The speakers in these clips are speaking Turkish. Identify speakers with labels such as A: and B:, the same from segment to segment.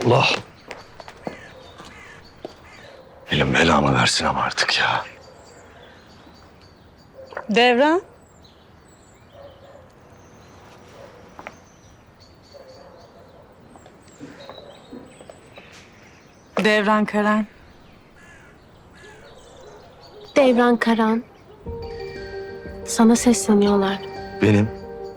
A: Allah. Elim belamı versin ama artık ya.
B: Devran. Devran Karan.
C: Devran Karan. Sana sesleniyorlar.
A: Benim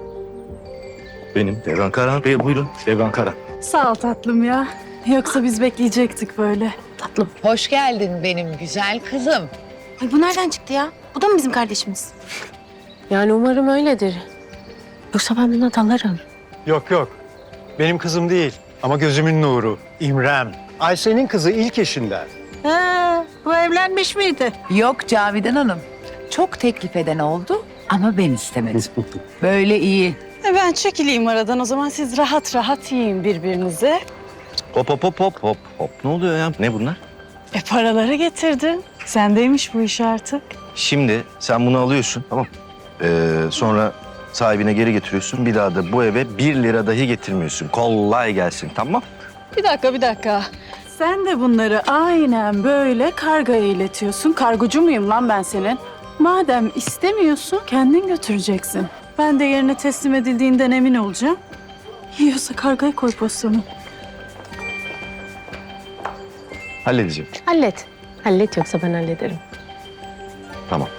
A: Devran Karan Bey, buyurun. Devran Karan.
B: Sağ ol tatlım ya. Yoksa biz bekleyecektik böyle.
C: Tatlım.
D: Hoş geldin benim güzel kızım.
E: Ay bu nereden çıktı ya? Bu da mı bizim kardeşimiz?
C: Yani umarım öyledir. Yoksa ben buna dalarım.
F: Yok yok. Benim kızım değil ama gözümün nuru. İmrem. Ayşe'nin kızı ilk eşinden.
B: Bu evlenmiş miydi?
D: Yok Cavidan Hanım. Çok teklif eden oldu ama ben istemedim. Böyle iyi.
B: Ben çekileyim aradan. O zaman siz rahat rahat yiyin birbirinize.
A: Hop hop hop hop hop hop. Ne oluyor ya? Ne bunlar?
B: Paraları getirdin. Sendeymiş bu iş artık.
A: Şimdi sen bunu alıyorsun, tamam. Sonra sahibine geri getiriyorsun. Bir daha da bu eve 1 lira dahi getirmiyorsun. Kolay gelsin, tamam?
B: Bir dakika. Sen de bunları aynen böyle kargoya iletiyorsun. Kargocu muyum lan ben senin? Madem istemiyorsun kendin götüreceksin. Ben de yerine teslim edildiğinden emin olacağım. Yiyorsa kargoya koy postunu.
A: Halledeceğim.
C: Hallet. Hallet yoksa ben hallederim.
A: Tamam.